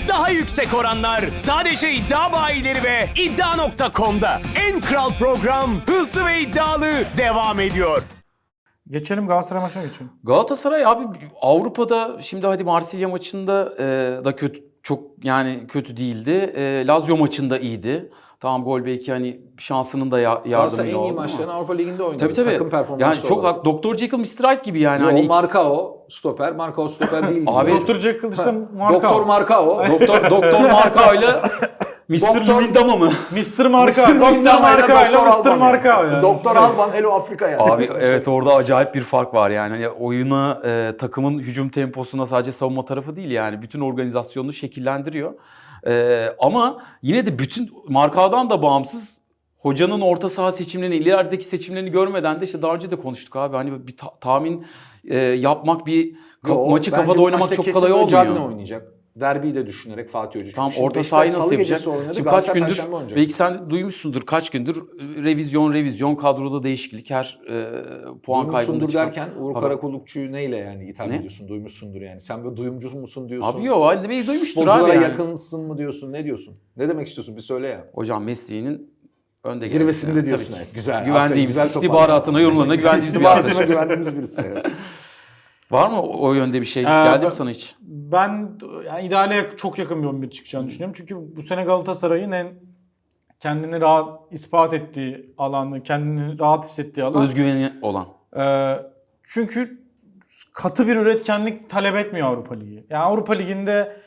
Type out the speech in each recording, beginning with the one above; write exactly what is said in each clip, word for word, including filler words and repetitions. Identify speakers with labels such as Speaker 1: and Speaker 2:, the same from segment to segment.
Speaker 1: Daha yüksek oranlar sadece iddia bayileri ve iddia nokta com'da. En kral program hızlı ve iddialı devam ediyor.
Speaker 2: Geçelim Galatasaray maçına geçelim.
Speaker 3: Galatasaray abi Avrupa'da şimdi hadi Marsilya maçında e, da kötü çok yani kötü değildi. E, Lazio maçında iyiydi. Tamam gol belki hani şansının da ya, yardımıyla oldu.
Speaker 4: Galatasaray en iyi maçlarını Avrupa Ligi'nde oynadı.
Speaker 3: Tabii tabii.
Speaker 4: Takım performansı
Speaker 3: yani çok
Speaker 4: olarak.
Speaker 3: doktor Jekyll mister Hyde gibi yani.
Speaker 4: Yo,
Speaker 3: hani ikisi-
Speaker 4: Marcao stoper, Marcao stoper değil.
Speaker 3: Abi-
Speaker 2: Doktor Jekyll işte Marka.
Speaker 4: Doktor Marcao.
Speaker 3: Doktor Doktor Marka ile mister
Speaker 4: Doktor-
Speaker 3: Luyendama mı?
Speaker 2: mister Marka.
Speaker 4: Mister
Speaker 2: Doktor
Speaker 4: Luyendama
Speaker 2: Marka
Speaker 4: ile
Speaker 2: ile
Speaker 4: Doktor
Speaker 2: mister
Speaker 4: Alban
Speaker 2: Marka.
Speaker 4: yani.
Speaker 2: Yani.
Speaker 4: Doktor Alban, Hello Afrika yani.
Speaker 3: Abi evet orada acayip bir fark var yani. Hani oyuna, e, takımın hücum temposuna sadece savunma tarafı değil yani. Bütün organizasyonunu şekillendiriyor. E, ama yine de bütün Markao'dan da bağımsız hocanın orta saha seçimlerini, ilerideki seçimlerini görmeden de işte daha önce de konuştuk abi. Hani bir ta- tahmin e, yapmak, bir ka-
Speaker 4: Yo,
Speaker 3: maçı
Speaker 4: bence
Speaker 3: kafada
Speaker 4: bu
Speaker 3: oynamak
Speaker 4: maçta
Speaker 3: çok
Speaker 4: kesin
Speaker 3: kolay
Speaker 4: böyle
Speaker 3: olmuyor.
Speaker 4: Cagney oynayacak. Derbiyi de düşünerek Fatih Hoca.
Speaker 3: Tam
Speaker 4: Çünkü şimdi
Speaker 3: orta
Speaker 4: Beşiktaş
Speaker 3: sahayı nasıl
Speaker 4: Salı
Speaker 3: yapacak?
Speaker 4: gecesi oynadı,
Speaker 3: Şimdi kaç
Speaker 4: Galatasaray
Speaker 3: gündür,
Speaker 4: Perşembe oynayacak.
Speaker 3: belki sen duymuşsundur kaç gündür revizyon revizyon kadroda değişiklik her e, puan kaybında
Speaker 4: Duymuşsundur
Speaker 3: çıkan.
Speaker 4: derken Uğur
Speaker 3: Abi-
Speaker 4: Karakullukçu'yu neyle yani ithal
Speaker 3: Ne?
Speaker 4: ediyorsun? Duymuşsundur yani. Sen böyle duyumcu musun diyorsun?
Speaker 3: Abi yok halde belki duymuştur abi
Speaker 4: Futbolculara
Speaker 3: yani.
Speaker 4: yakınsın mı diyorsun? Ne diyorsun? Ne demek istiyorsun? Bir söyle ya.
Speaker 3: Hocam mesleğinin önde
Speaker 4: Zirvesinde
Speaker 3: gelmesi yani,
Speaker 4: diyorsun.
Speaker 3: tabii ki.
Speaker 4: Evet. Güzel. aferin,
Speaker 3: Güvendiğimiz,
Speaker 4: güzel
Speaker 3: istihbaratına,
Speaker 4: toparladın.
Speaker 3: yorumlarına güvendiğimiz bir
Speaker 4: İstihbaratına
Speaker 3: arkadaşız.
Speaker 4: güvendiğimiz birisi. Evet.
Speaker 3: Var mı o yönde bir şey?
Speaker 2: Ee,
Speaker 3: Geldi
Speaker 2: ben-
Speaker 3: mi sana hiç?
Speaker 2: Ben yani ideale çok yakın bir on bir çıkacağını düşünüyorum. Çünkü bu sene Galatasaray'ın en kendini rahat ispat ettiği alanı, kendini rahat hissettiği alan.
Speaker 3: Özgüveni olan.
Speaker 2: Ee, çünkü katı bir üretkenlik talep etmiyor Avrupa Ligi. Yani Avrupa Ligi'nde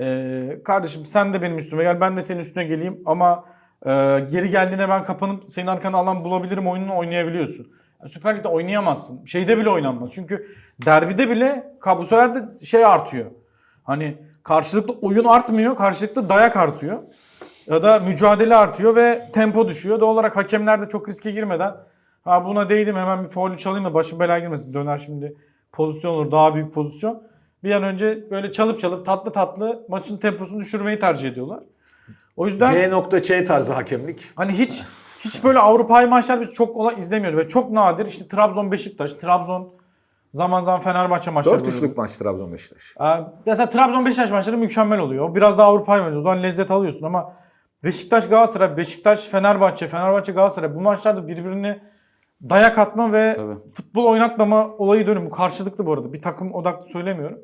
Speaker 2: e, kardeşim sen de benim üstüme gel, ben de senin üstüne geleyim ama e, geri geldiğinde ben kapanıp senin arkana alan bulabilirim oyununu oynayabiliyorsun. Yani Süper Lig'de oynayamazsın. Şeyde bile oynanmaz. Çünkü derbide bile bu sefer de şey artıyor. Hani karşılıklı oyun artmıyor, karşılıklı dayak artıyor. Ya da mücadele artıyor ve tempo düşüyor. Doğal olarak hakemler de çok riske girmeden ha buna değdim hemen bir faulü çalayım da başım belaya girmesin. Döner şimdi pozisyon olur, daha büyük pozisyon. Bir an önce böyle çalıp çalıp tatlı tatlı maçın temposunu düşürmeyi tercih ediyorlar. O yüzden
Speaker 4: G.Ç tarzı hakemlik.
Speaker 2: hani hiç hiç böyle Avrupa'yı maçlar biz çok kolay izlemiyoruz ve çok nadir işte Trabzon Beşiktaş, Trabzon zaman zaman Fenerbahçe maçları.
Speaker 4: dört üçlük maç Trabzon Beşiktaş.
Speaker 2: Ee, mesela Trabzon Beşiktaş maçları mükemmel oluyor. Biraz daha Avrupa'yı oynuyor. O zaman lezzet alıyorsun ama Beşiktaş Galatasaray, Beşiktaş Fenerbahçe, Fenerbahçe Galatasaray bu maçlarda birbirini dayak atma ve
Speaker 3: Tabii.
Speaker 2: futbol oynatmama olayı dönüm. Bu karşılıklı bu arada. Bir takım odaklı söylemiyorum.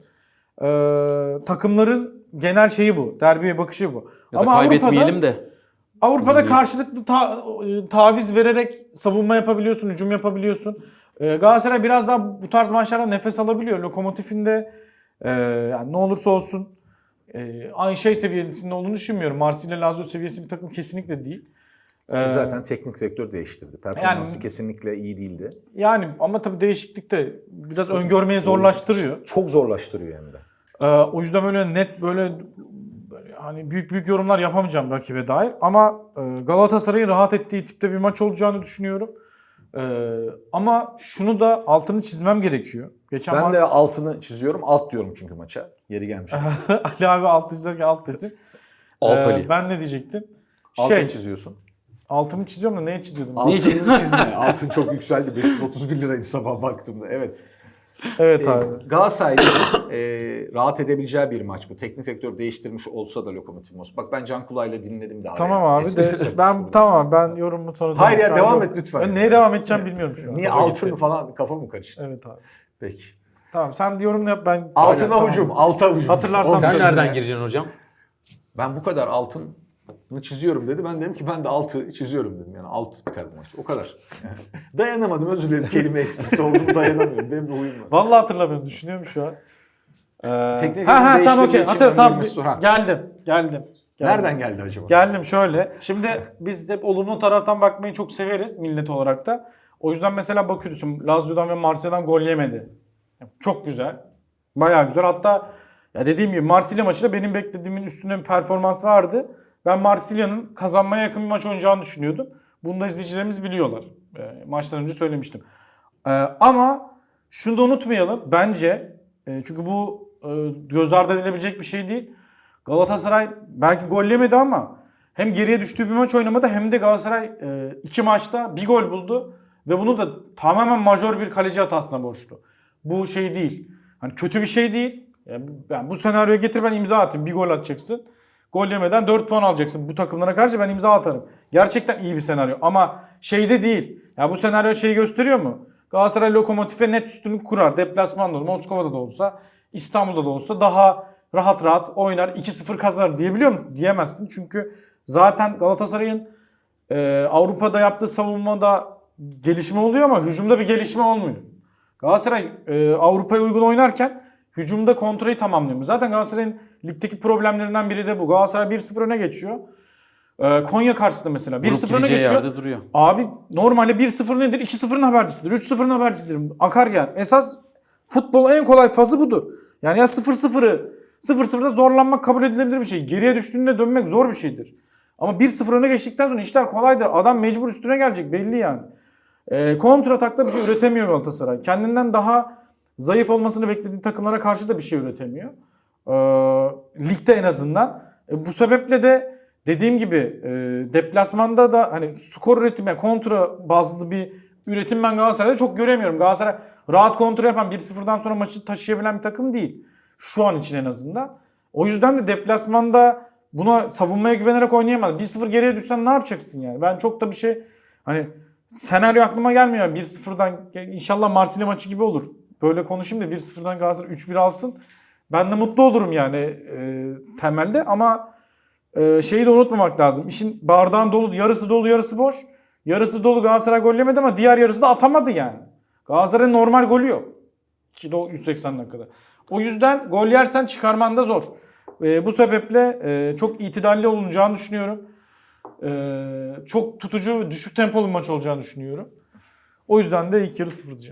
Speaker 2: Ee, takımların genel şeyi bu. Derbiye bakışı bu.
Speaker 3: Ya da kaybetmeyelim de.
Speaker 2: Avrupa'da
Speaker 3: Zihniyet.
Speaker 2: karşılıklı ta- taviz vererek savunma yapabiliyorsun, hücum yapabiliyorsun. Ee, Galatasaray biraz daha bu tarz maçlarda nefes alabiliyor. Lokomotif'in de e, yani ne olursa olsun e, aynı şey seviyesinde olduğunu düşünmüyorum. Marsilya Lazio seviyesi bir takım kesinlikle değil. Ee,
Speaker 4: Ki zaten teknik direktör değiştirdi. Performansı
Speaker 2: Yani-
Speaker 4: kesinlikle iyi değildi.
Speaker 2: Yani ama tabii değişiklik de biraz öngörmeyi zorlaştırıyor.
Speaker 4: Çok zorlaştırıyor hem de.
Speaker 2: Ee, o yüzden böyle net böyle, böyle hani büyük büyük yorumlar yapamayacağım rakibe dair. Ama e, Galatasaray'ın rahat ettiği tipte bir maç olacağını düşünüyorum. Ee, ama şunu da altını çizmem gerekiyor. Geçen
Speaker 4: Ben
Speaker 2: ma-
Speaker 4: de altını çiziyorum. Alt diyorum çünkü maça. Yeri gelmiş.
Speaker 2: Ali abi alt çizerken alt desin.
Speaker 3: Alt
Speaker 2: Ee,
Speaker 3: Ali.
Speaker 2: Ben ne diyecektim?
Speaker 4: Altını
Speaker 2: Şey,
Speaker 4: çiziyorsun.
Speaker 2: altımı çiziyorum da neye çiziyordum?
Speaker 4: Altını
Speaker 3: Niye-
Speaker 4: çizme. Altın çok yükseldi. beş yüz otuz bir liraydı sabah baktığımda. Evet.
Speaker 2: Evet
Speaker 4: Ee,
Speaker 2: abi.
Speaker 4: Galatasaray'ın e, rahat edebileceği bir maç bu. Teknik direktör değiştirmiş olsa da Lokomotiv Moskova. Bak ben Can Kulağ'la dinledim daha.
Speaker 2: Tamam
Speaker 4: yani.
Speaker 2: abi
Speaker 4: Espri
Speaker 2: de
Speaker 4: yapmış
Speaker 2: ben
Speaker 4: bunu.
Speaker 2: tamam ben yorumumu sonra
Speaker 4: Hayır ya,
Speaker 2: Şu an
Speaker 4: devam
Speaker 2: yok.
Speaker 4: et lütfen.
Speaker 2: Ben neye devam edeceğim bilmiyorum şu an.
Speaker 4: Niye
Speaker 2: Kafa
Speaker 4: altın
Speaker 2: gitti.
Speaker 4: falan kafa mı karıştı?
Speaker 2: Evet abi.
Speaker 4: Peki.
Speaker 2: Tamam sen yorumunu yap ben.
Speaker 4: Altına
Speaker 2: Tamam.
Speaker 4: hücum, alta hücum.
Speaker 2: Hatırlarsan
Speaker 4: Oğlum,
Speaker 3: Sen
Speaker 2: söyle
Speaker 3: nereden
Speaker 2: ya.
Speaker 3: gireceksin hocam?
Speaker 4: Ben bu kadar altını çiziyorum dedi. Ben dedim ki ben de altı çiziyorum dedim. Yani alt biter bu maç. O kadar. Dayanamadım, özür dilerim. Kelime esprisi oldu mu dayanamıyorum. Benim bir huyum var.
Speaker 2: Vallahi hatırlamıyorum. Düşünüyorum şu an. Ee,
Speaker 4: Teknik
Speaker 2: ha ha
Speaker 4: direktör
Speaker 2: tamam okey.
Speaker 4: değiştirdiği için
Speaker 2: Hatır tamam.
Speaker 4: öngörmüş Suhan.
Speaker 2: Geldim. Geldim. Geldim.
Speaker 4: Nereden geldi acaba?
Speaker 2: Geldim şöyle. Şimdi biz hep olumlu taraftan bakmayı çok severiz millet olarak da. O yüzden mesela bakıyoruz şimdi Lazio'dan ve Marsilya'dan gol yemedi. Çok güzel. Bayağı güzel. Hatta ya dediğim gibi Marsilya maçında benim beklediğimin üstünde bir performans vardı. Ben Marsilya'nın kazanmaya yakın bir maç oynayacağını düşünüyordum. Bunu da izleyicilerimiz biliyorlar. E, maçtan önce söylemiştim. E, ama şunu da unutmayalım. Bence e, çünkü bu e, göz ardı edilebilecek bir şey değil. Galatasaray belki gol yemedi ama hem geriye düştüğü bir maç oynamadı hem de Galatasaray e, iki maçta bir gol buldu. Ve bunu da tamamen majör bir kaleci hatasına borçlu. Bu şey değil. Hani kötü bir şey değil. Yani, yani bu senaryoya getir ben imza atayım. Bir gol atacaksın. Gol yemeden dört puan alacaksın. Bu takımlara karşı ben imza atarım. Gerçekten iyi bir senaryo ama şeyde değil. Ya bu senaryo şeyi gösteriyor mu? Galatasaray Lokomotif'e net üstünlük kurar. Deplasmanda da Moskova'da da olsa, İstanbul'da da olsa daha rahat rahat oynar. iki sıfır kazanır diyebiliyor musun? Diyemezsin. Çünkü zaten Galatasaray'ın e, Avrupa'da yaptığı savunmada gelişme oluyor ama hücumda bir gelişme olmuyor. Galatasaray e, Avrupa'ya uygun oynarken hücumda kontrolü tamamlıyor. Zaten Galatasaray'ın ligdeki problemlerinden biri de bu. Galatasaray bir sıfır öne geçiyor. Ee, Konya karşısında mesela bir sıfır öne geçiyor.
Speaker 3: Yerde duruyor.
Speaker 2: Abi normalde bir sıfır nedir? iki sıfırın habercisidir. üç sıfırın habercisidir. Akar yer. Esas futbolun en kolay fazı budur. Yani ya sıfır sıfırı sıfır sıfırda zorlanmak kabul edilebilir bir şey. Geriye düştüğünde dönmek zor bir şeydir. Ama bir sıfır öne geçtikten sonra işler kolaydır. Adam mecbur üstüne gelecek belli yani. Ee, kontra atakta bir şey üretemiyor Galatasaray. Kendinden daha zayıf olmasını beklediği takımlara karşı da bir şey üretemiyor. Ee, ligde en azından. E, bu sebeple de dediğim gibi e, deplasmanda da hani skor üretimi, kontra bazlı bir üretim ben Galatasaray'da çok göremiyorum. Galatasaray rahat kontra yapan bir sıfırdan sonra maçı taşıyabilen bir takım değil. Şu an için en azından. O yüzden de deplasmanda buna savunmaya güvenerek oynayamaz. bir sıfır geriye düşsen ne yapacaksın yani? Ben çok da bir şey hani senaryo aklıma gelmiyor. bir sıfırdan inşallah Marsilya maçı gibi olur. Böyle konuşayım da bir sıfırdan Galatasaray üç bir alsın. Ben de mutlu olurum yani e, temelde ama e, şeyi de unutmamak lazım. İşin bardağın dolu, yarısı dolu, yarısı boş. Yarısı dolu Galatasaray gol yemedi ama diğer yarısı da atamadı yani. Galatasaray'ın normal golü yok. yüz seksen dakikada. O yüzden gol yersen çıkarman da zor. E, bu sebeple e, çok itidalli olunacağını düşünüyorum. E, çok tutucu ve düşük tempolu bir maç olacağını düşünüyorum. O yüzden de ilk yarı sıfır diyeceğim.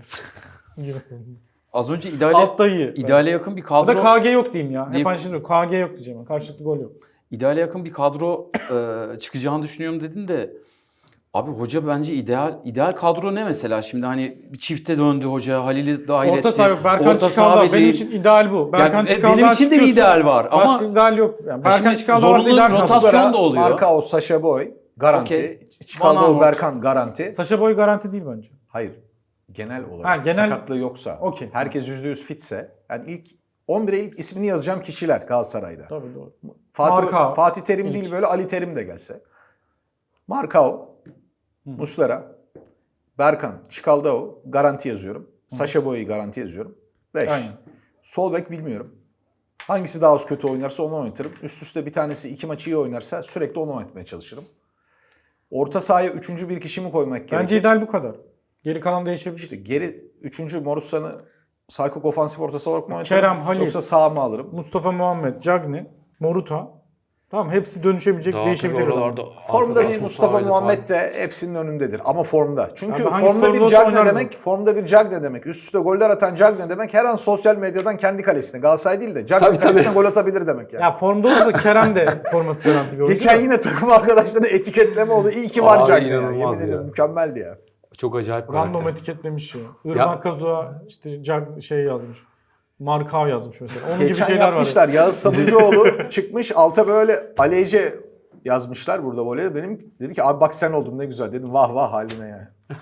Speaker 3: Az önce ideale,
Speaker 2: Altta iyi.
Speaker 3: ideale yakın bir
Speaker 2: O
Speaker 3: kadro...
Speaker 2: da K G yok diyeyim ya.
Speaker 3: Diyeyim.
Speaker 2: Hep aynı şey diyorum. K G yok diyeceğim. Karşılıklı gol yok.
Speaker 3: İdeale yakın bir kadro e, çıkacağını düşünüyorum dedin de abi hoca bence ideal ideal kadro ne mesela şimdi hani bir çifte döndü hoca Halil'i dahil etti.
Speaker 2: Orta saha yok. Berkan
Speaker 3: Orta saha
Speaker 2: Çıkaldağ. Benim
Speaker 3: belli.
Speaker 2: için ideal bu. Berkan
Speaker 3: Yani, e,
Speaker 2: Çıkaldağ
Speaker 3: benim için de bir ideal var ama
Speaker 2: başka ideal yok. Yani Berkan
Speaker 3: şimdi
Speaker 2: Çıkaldağ varsa
Speaker 3: zorunlu
Speaker 2: ideal
Speaker 3: rotasyon
Speaker 2: kadro.
Speaker 3: Rotasyon da oluyor.
Speaker 4: Marka Sacha Boy garanti.
Speaker 3: Okey. Van
Speaker 4: Çıkaldı
Speaker 3: Aanholt.
Speaker 4: Berkan garanti.
Speaker 2: Sacha Boy garanti değil bence.
Speaker 4: Hayır. Genel olarak
Speaker 2: Ha, genel-
Speaker 4: sakatlığı yoksa,
Speaker 2: Okey.
Speaker 4: herkes yüzde yüz fitse, yani ilk on bire ilk ismini yazacağım kişiler Galatasaray'da.
Speaker 2: Tabii doğru.
Speaker 4: Fatih,
Speaker 2: Marka
Speaker 4: Fatih Terim
Speaker 2: ilk.
Speaker 4: değil böyle Ali Terim de gelse. Markao, Muslera, Berkan, Çikaldao garanti yazıyorum. Sacha Boy'u garanti yazıyorum. beş.
Speaker 2: Aynen.
Speaker 4: Sol bek bilmiyorum. Hangisi daha az kötü oynarsa onu oynatırım. Üst üste bir tanesi iki maçı iyi oynarsa sürekli onu oynatmaya çalışırım. Orta sahaya üçüncü bir kişi mi koymak gerekir?
Speaker 2: Bence ideal bu kadar. Geri kalan değişebilir.
Speaker 4: İşte geri üçüncü Morussan'ı Sarkok ofansif ortası olarak mı oynatırım?
Speaker 2: Kerem, Halil.
Speaker 4: Yoksa sağ mı alırım?
Speaker 2: Mustafa Muhammed, Cagney, Moruta. Tamam hepsi dönüşebilecek,
Speaker 3: daha
Speaker 2: değişebilecek
Speaker 3: tabii
Speaker 2: adamlar.
Speaker 3: oralarda
Speaker 4: Formda
Speaker 3: arkadaş
Speaker 4: bir Mustafa
Speaker 3: Mustafa'ydı
Speaker 4: Muhammed de hepsinin önündedir ama formda. Çünkü
Speaker 2: Abi hangisi
Speaker 4: formda
Speaker 2: formda
Speaker 4: bir
Speaker 2: olsa
Speaker 4: Cagney
Speaker 2: oynarız
Speaker 4: demek, formda bir Cagney demek. Üst üste goller atan Cagney demek her an sosyal medyadan kendi kalesine, Galatasaray değil de Cagney
Speaker 3: Tabii,
Speaker 4: kalesine
Speaker 3: tabii.
Speaker 4: gol atabilir demek yani.
Speaker 2: Ya formda olursa Kerem de forması garanti bir oyuncu.
Speaker 4: Geçen
Speaker 2: da.
Speaker 4: yine takım arkadaşlarını etiketleme oldu. İyi ki var
Speaker 3: Abi,
Speaker 4: Cagney ya.
Speaker 3: inanılmaz
Speaker 4: Yemin
Speaker 3: ya.
Speaker 4: ederim mükemmeldi ya.
Speaker 3: Çok acayip
Speaker 2: Random
Speaker 3: karakter.
Speaker 2: etiketlemiş ya. Irmak Kazu'a işte Cag şey yazmış. Markao yazmış mesela. Onun gibi
Speaker 4: Geçen
Speaker 2: şeyler var.
Speaker 4: yapmışlar. Yağız Sabuncuoğlu çıkmış alta böyle Aleyce yazmışlar burada voleyde. Benim dedi ki abi bak sen oldun ne güzel dedim. Vah vah haline yani.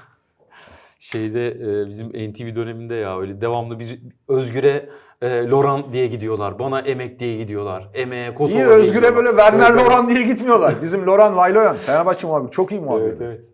Speaker 3: Şeyde e, bizim N T V döneminde ya öyle devamlı bir Özgür'e e, Loran diye gidiyorlar. Bana Emek diye gidiyorlar. Emeğe Kosova
Speaker 4: İyi
Speaker 3: diye
Speaker 4: Özgür'e
Speaker 3: gidiyorlar.
Speaker 4: böyle Werner
Speaker 3: Evet, evet.
Speaker 4: Loran diye gitmiyorlar. Bizim Loran Vayloyan. Fenerbahçe muhabiri. Çok iyi muhabir.
Speaker 3: Evet, evet.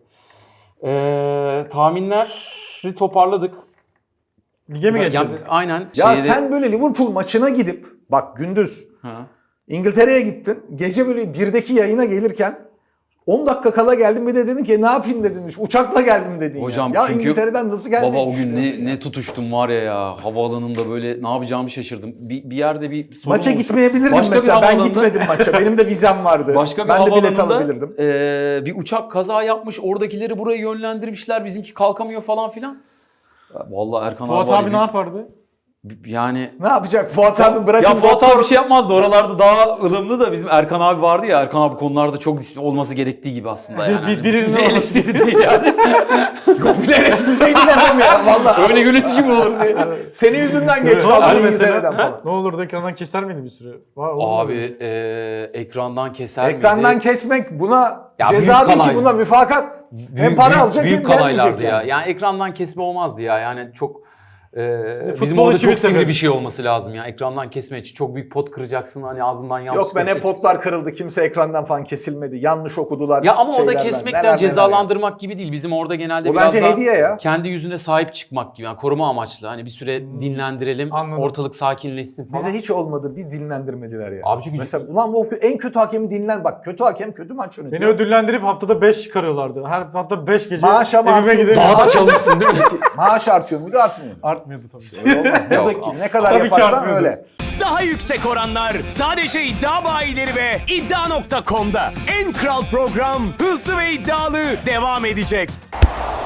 Speaker 3: Ee, tahminleri toparladık.
Speaker 2: Lige mi geçelim?
Speaker 3: Yani, aynen.
Speaker 4: Ya
Speaker 3: şeyde-
Speaker 4: sen böyle Liverpool maçına gidip bak gündüz
Speaker 3: Ha.
Speaker 4: İngiltere'ye gittin. Gece böyle birdeki yayına gelirken on dakika kala geldim bir de dedin ki ne yapayım dedin. Uçakla geldim dedin
Speaker 3: Hocam
Speaker 4: ya. Ya
Speaker 3: çünkü
Speaker 4: İngiltere'den nasıl gelmeyi
Speaker 3: Baba o gün
Speaker 4: düşünüyorsun
Speaker 3: ne,
Speaker 4: ya?
Speaker 3: ne tutuştum var ya ya. Havaalanında böyle ne yapacağımı şaşırdım. Bir, bir yerde bir sorun
Speaker 4: Maça
Speaker 3: olmuş.
Speaker 4: gitmeyebilirdim
Speaker 3: Başka bir
Speaker 4: mesela. Ben
Speaker 3: havaalanında-
Speaker 4: gitmedim maça. Benim de vizem vardı.
Speaker 3: Başka bir
Speaker 4: ben de bilet
Speaker 3: havaalanında,
Speaker 4: alabilirdim.
Speaker 3: e, bir uçak kaza yapmış. Oradakileri buraya yönlendirmişler. Bizimki kalkamıyor falan filan. Ya Vallahi Erkan
Speaker 2: Fuat
Speaker 3: var
Speaker 2: abi
Speaker 3: ya,
Speaker 2: ne yapardı?
Speaker 3: bir- Yani
Speaker 4: Ne yapacak? Fuat abi bırakın.
Speaker 3: ya Fuat
Speaker 4: doktor-
Speaker 3: abi bir şey yapmazdı. Oralarda daha ılımlı da bizim Erkan abi vardı ya. Erkan abi konularda çok disiplin olması gerektiği gibi aslında yani.
Speaker 2: Bir- birinin
Speaker 3: Bir eleştiri değil yani.
Speaker 4: Yok bir de eleştirseydi dedim ya valla.
Speaker 3: Öyle yönetici mi olur diye.
Speaker 4: Senin yüzünden geç
Speaker 2: Abi
Speaker 4: kaldım
Speaker 2: mesela-
Speaker 4: İngiltere'den falan.
Speaker 2: Ne olurdu ekrandan keser miydi bir süre? Var, olur
Speaker 3: Abi
Speaker 2: mu?
Speaker 3: e, ekrandan keser
Speaker 4: Ekrandan
Speaker 3: miydi?
Speaker 4: kesmek buna
Speaker 3: Ya
Speaker 4: ceza
Speaker 3: büyük
Speaker 4: değil ki
Speaker 3: kanal.
Speaker 4: buna müfakat. hem para alacak
Speaker 3: büyük
Speaker 4: hem vermeyecek
Speaker 3: kalaylardı
Speaker 4: yani.
Speaker 3: ya. Yani ekrandan kesme olmazdı ya. Yani çok Ee, bizim
Speaker 2: futbol
Speaker 3: orada
Speaker 2: içi
Speaker 3: çok
Speaker 2: bir
Speaker 3: sivri
Speaker 2: sebep.
Speaker 3: bir şey olması lazım ya. Ekrandan kesme için çok büyük pot kıracaksın hani ağzından yanlış.
Speaker 4: Yok ben hep potlar kırıldı. Kimse ekrandan falan kesilmedi. Yanlış okudular.
Speaker 3: Ya ama orada
Speaker 4: şeylerden.
Speaker 3: kesmekten
Speaker 4: Neler neler
Speaker 3: cezalandırmak gibi değil. Bizim orada genelde
Speaker 4: O
Speaker 3: biraz
Speaker 4: bence
Speaker 3: daha
Speaker 4: hediye ya.
Speaker 3: kendi yüzüne sahip çıkmak gibi. Yani koruma amaçlı. Hani bir süre dinlendirelim,
Speaker 2: Anladım.
Speaker 3: ortalık sakinleşsin
Speaker 4: ya.
Speaker 3: falan.
Speaker 4: Bize hiç olmadı. Bir dinlendirmediler ya.
Speaker 3: Abi çünkü-
Speaker 4: Mesela ulan bu en kötü hakemi dinlen. Bak kötü hakem kötü maç yönetiyor.
Speaker 2: Beni ödüllendirip haftada beş çıkarıyorlardı. Her hafta beş gece
Speaker 4: Maaş ama
Speaker 2: evime
Speaker 4: artıyor.
Speaker 2: gidip
Speaker 3: Daha da çalışsın değil mi?
Speaker 4: Maaş artıyor muydu artmıyor mu?
Speaker 2: artmıyordu tabii.
Speaker 4: Öyle olmaz. Buradaki ne kadar
Speaker 2: Tabii ki
Speaker 4: yaparsan
Speaker 2: artmıyordu.
Speaker 4: öyle.
Speaker 1: Daha yüksek oranlar sadece iddia bayileri ve iddia nokta com'da. En kral program hızlı ve iddialı devam edecek.